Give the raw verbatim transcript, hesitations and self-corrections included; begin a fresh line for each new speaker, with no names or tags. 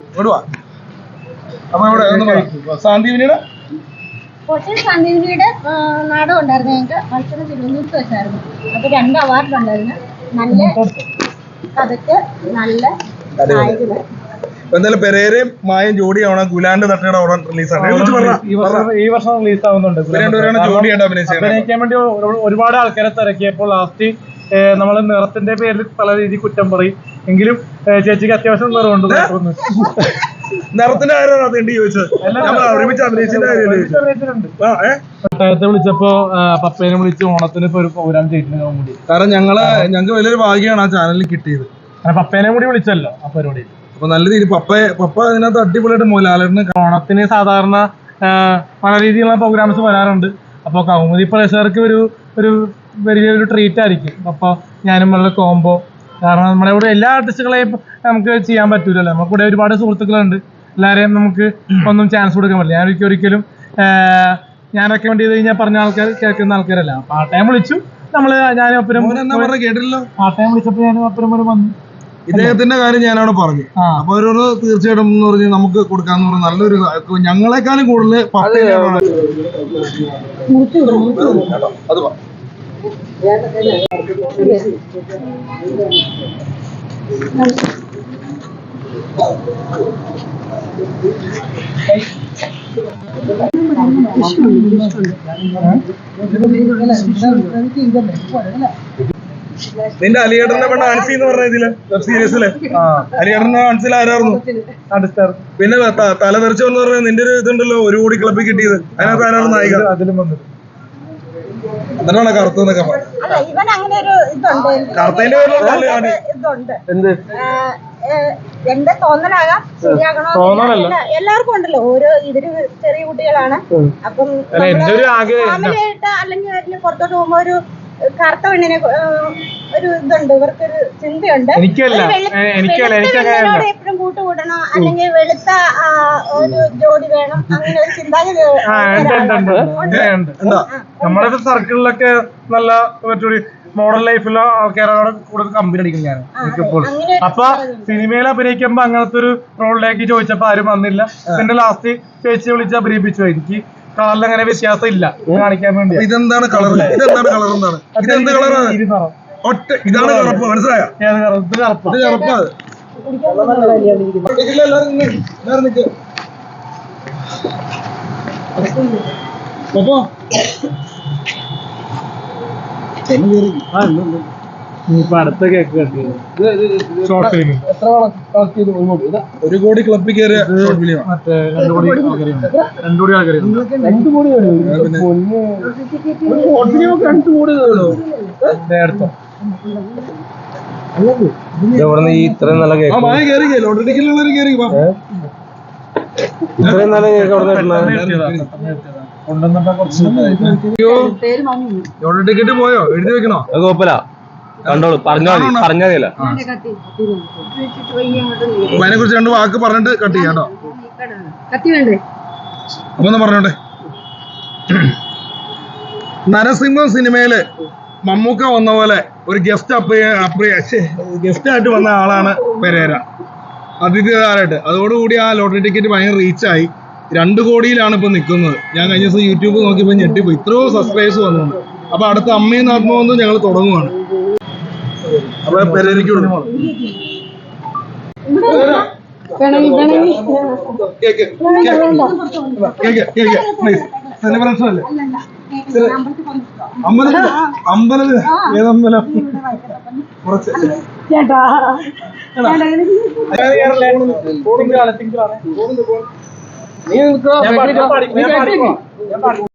ഇടുവാ. അപ്പൊ ഇവിടെ സാന്ദീപിനിയുടെ
കോട്ടയം സാന്ദീപിനിയുടെ നാടകം ഉണ്ടായിരുന്നു. ഞങ്ങൾക്ക് മത്സരം തിരുവനന്തപുരത്ത് വെച്ചായിരുന്നു. അപ്പൊ രണ്ട് അവാർഡ് ഉണ്ടായിരുന്നു. നല്ല കഥയ്ക്ക് നല്ല നായകന്.
എന്തായാലും പെരേരയും മായും ജോഡിയാണ് ഗുലാന്റെ തട്ടയുടെ ഉടൻ റിലീസാണ്.
ഈ വർഷം റിലീസ് ആവുന്നുണ്ട്. അഭിനയിക്കാൻ വേണ്ടി ഒരുപാട് ആൾക്കാരെ തിരക്കിയപ്പോൾ ലാസ്റ്റ് നമ്മൾ നിറത്തിന്റെ പേരിൽ പല രീതിയിൽ കുറ്റം പറയും. എങ്കിലും ചേച്ചിക്ക് അത്യാവശ്യം നിറമുണ്ട്.
നിറത്തിന്റെ കാര്യമാണ് ചോദിച്ചത്.
പട്ടായത്തെ വിളിച്ചപ്പോ പപ്പേനെ വിളിച്ച് ഓണത്തിന് ഇപ്പൊ ഒരു പ്രോഗ്രാം ചെയ്തിട്ടുണ്ട് കൂടി.
കാരണം ഞങ്ങള് ഞങ്ങൾക്ക് വലിയൊരു ഭാഗ്യമാണ് ആ ചാനലിൽ കിട്ടിയത്.
പപ്പേനെ കൂടി വിളിച്ചല്ലോ ആ പരിപാടിയിൽ.
അപ്പൊ നല്ല രീതി പപ്പ പപ്പ അതിനകത്ത് അടിപൊളിയായിട്ട് മോലാലിന്.
ഓണത്തിന് സാധാരണ പല രീതിയിലുള്ള പ്രോഗ്രാംസ് വരാറുണ്ട്. അപ്പോൾ കൗമുദി പ്രേക്ഷകർക്ക് ഒരു ഒരു വലിയൊരു ട്രീറ്റ് ആയിരിക്കും. അപ്പോൾ ഞാനും ഉള്ള കോംബോ. കാരണം നമ്മുടെ ഇവിടെ എല്ലാ ആർട്ടിസ്റ്റുകളെയും നമുക്ക് ചെയ്യാൻ പറ്റൂലല്ലോ. നമുക്ക് ഇവിടെ ഒരുപാട് സുഹൃത്തുക്കളുണ്ട്. എല്ലാവരെയും നമുക്ക് ഒന്നും ചാൻസ് കൊടുക്കാൻ പറ്റില്ല. ഞാൻ ഒരിക്കലും ഒരിക്കലും ഞാൻ റെക്കമെൻഡ് ചെയ്ത് കഴിഞ്ഞാൽ പറഞ്ഞ ആൾക്കാർ കേൾക്കുന്ന ആൾക്കാരല്ല. ആ ടൈം വിളിച്ചു നമ്മള് ഞാൻ ഒപ്പരം
കേട്ടില്ലല്ലോ.
ആ ടൈം വിളിച്ചപ്പോൾ ഞാൻ ഒപ്പരം ഒരു വന്നു.
ഇദ്ദേഹത്തിന്റെ കാര്യം ഞാനവിടെ പറഞ്ഞു. അപ്പൊ അവരോട് തീർച്ചയായിട്ടും എന്ന് പറഞ്ഞ് നമുക്ക് കൊടുക്കാന്ന് പറഞ്ഞ നല്ലൊരു ഞങ്ങളെക്കാളും കൂടുതൽ അത് നിന്റെ അലിയേട്ടന്റെ പെണ്ണ ആൻസി എന്ന് പറഞ്ഞ ഇതില് വെബ് സീരീസില് അലിയേട്ടന്റെ ആൻസിൽ ആരായിരുന്നു? പിന്നെ തല തെറിച്ചു എന്ന് പറഞ്ഞ നിന്റെ ഒരു ഇതുണ്ടല്ലോ ഒരു കോടി ക്ലബിൽ കിട്ടിയത്. അതിനകത്ത് ആരാണ് നായിക? എന്നിട്ടാണ് കറുത്തെന്നൊക്കെ പറഞ്ഞു. കറുത്തതിന്റെ
എന്ത് എന്റെ തോന്നലാകാം, ശരിയാകണോ എല്ലാവർക്കും ഉണ്ടല്ലോ. ഓരോ ഇതില് ചെറിയ കുട്ടികളാണ്. അപ്പം ഫാമിലിയായിട്ട് അല്ലെങ്കിൽ പുറത്തോട്ട് പോകുമ്പോ ഒരു കറുത്ത പെണ്ണിനെ ഒരു ഇതുണ്ട്, ഇവർക്കൊരു ചിന്തയുണ്ട്. എപ്പോഴും കൂട്ടുകൂടണോ അല്ലെങ്കിൽ വെളുത്ത ഒരു ജോഡി വേണം, അങ്ങനെ ഒരു ചിന്താഗതി
നമ്മുടെ സർക്കിളിലൊക്കെ നല്ല മോഡൽ ലൈഫിലുള്ള ആൾക്കാരോട് കൂടുതൽ കമ്പനി അടിക്കും ഞാൻ എനിക്കിപ്പോൾ. അപ്പൊ സിനിമയിൽ അഭിനയിക്കുമ്പോ അങ്ങനത്തെ ഒരു റോളിലേക്ക് ചോദിച്ചപ്പോ ആരും വന്നില്ല. പിന്നെ ലാസ്റ്റ് ചേച്ചി വിളിച്ച് അഭിനയിപ്പിച്ചു. എനിക്ക് കളറിൽ അങ്ങനെ വ്യത്യാസം ഇല്ല കാണിക്കാൻ വേണ്ടി.
ഇതെന്താണ് കളർ? ഇതെന്താണ് കളർ? എന്താണ് ഇതെന്ത് കളറാണ്? ഒറ്റ ഇതാണ് കറുപ്പ്. മനസ്സിലായോ?
അടുത്ത കേക്ക്
ഒരു കോടി ക്ലബിൽ കയറിയ
മറ്റേ രണ്ടു കോടി രണ്ടു കോടി ആൾക്കാർ രണ്ടു കോടി
ഈ ഇത്രയും നല്ല കേക്ക് ഇത്രയും നല്ല കേക്ക്
അവിടെ ടിക്കറ്റ് പോയോ? എഴുതി വെക്കണോ?
അത് കുഴപ്പമില്ല, കണ്ടോളൂ. പറഞ്ഞാൽ മതി, പറഞ്ഞാൽ മതിയല്ല.
അതിനെ കുറിച്ച് രണ്ട് വാക്ക് പറഞ്ഞിട്ട് കട്ട് ചെയ്യാട്ടോ. അപ്പൊ ഒന്ന് പറഞ്ഞോട്ടെ. നരസിംഹം സിനിമയില് മമ്മൂക്ക വന്ന പോലെ ഒരു ഗസ്റ്റ് അപ്രിയ അപ്രിയ ഗസ്റ്റ് ആയിട്ട് വന്ന ആളാണ് പെരേര, അതിഥിതാരായിട്ട്. അതോടുകൂടി ആ ലോട്ടറി ടിക്കറ്റ് ഭയങ്കര റീച്ചായി. രണ്ട് കോടിയിലാണ് ഇപ്പൊ നിൽക്കുന്നത്. ഞാൻ കഴിഞ്ഞ ദിവസം യൂട്യൂബ് നോക്കിയപ്പോ ഞെട്ടിപ്പോ ഇത്രയോ സബ്സ്ക്രൈബേഴ്സ് വന്നു. അപ്പൊ അടുത്ത അമ്മയും ആത്മാവെന്ന് ഞങ്ങൾ തുടങ്ങുവാണ്. അപ്പൊ പെരേരയ്ക്ക് സെലിബ്രേഷൻ അല്ലേ? അമ്പലം അമ്പലം ഏതമ്പലം? കുറച്ച് നീ